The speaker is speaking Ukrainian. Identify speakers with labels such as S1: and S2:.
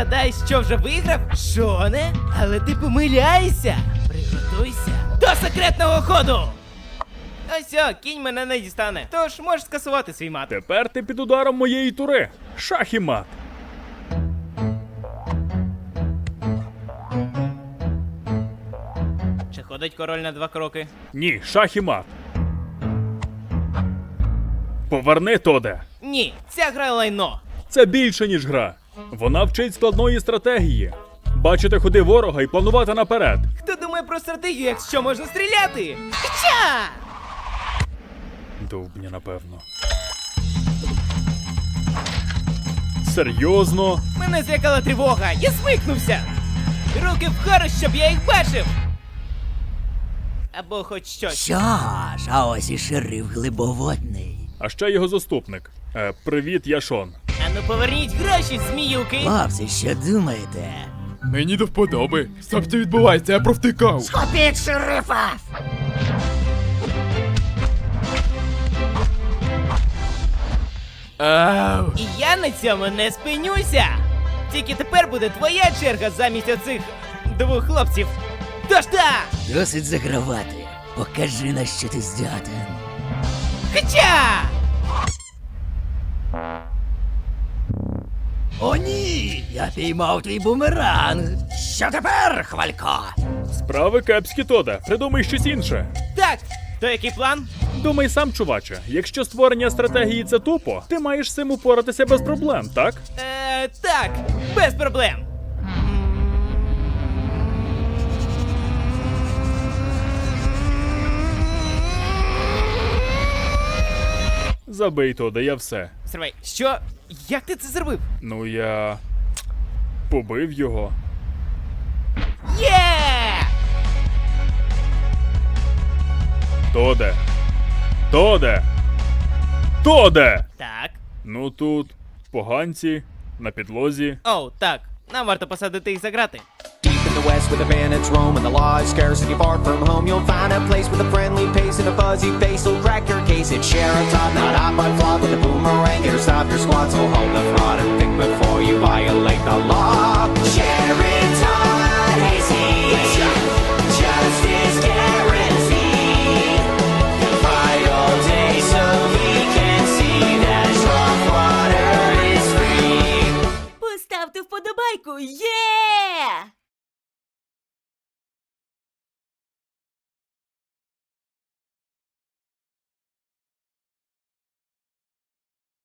S1: гадаєш, що вже виграв? Шоне? Але ти помиляєшся. Приготуйся до секретного ходу. Ось о, кінь мене не дістане. Тож можеш скасувати свій мат.
S2: Тепер ти під ударом моєї тури. Шах і мат.
S1: Чи ходить король на 2 кроки?
S2: Ні, шах і мат. Поверни, Тоде.
S1: Ні, ця гра лайно.
S2: Це більше, ніж гра. Вона вчить складної стратегії. Бачити ходи ворога і планувати наперед.
S1: Хто думає про стратегію, якщо можна стріляти? Хоча!
S2: Довбня, напевно. Серйозно?
S1: Мене злякала тривога, я смикнувся! Руки вгору, щоб я їх бачив! Або хоч щось.
S3: Що ж, а ось і шериф Глибоводний.
S2: А ще його заступник. Привіт, я Шон.
S1: Ану поверніть гроші, зміюки!
S3: Хлопці, що думаєте?
S4: Мені до вподоби. Що це відбувається, я провтикав.
S3: Схопіть шерифа!
S4: Ау.
S1: І я на цьому не спинюся! Тільки тепер буде твоя черга замість оцих 2 хлопців. Тож так!
S3: Досить загравати. Покажи, на що ти здатен.
S1: Хоча!
S3: О, ні! Я піймав твій бумеранг. Що тепер, хвалько?
S2: Справи кепські, Тоде. Придумай щось інше.
S1: Так, то який план?
S2: Думай сам, чуваче. Якщо створення стратегії це тупо, ти маєш з цим упоратися без проблем, так?
S1: Так, без проблем.
S2: Забий, Тоде, я все.
S1: Стривай, що? Як ти це зробив?
S2: Ну, я... побив його.
S1: Є!
S2: Тоде! Тоде! Тоде!
S1: Так.
S2: Ну тут поганці на підлозі.
S1: Оу, так. Нам варто посадити їх за грати.
S5: Deep in the west where the bandits roam and the law is scarcity far from home, you'll find a place with a friendly pace and a fuzzy face will crack your case. It's Sheriff Todd, not hot but flawed with a boomerang. Here to stop your squad, so hold the fraud and think before you violate the law.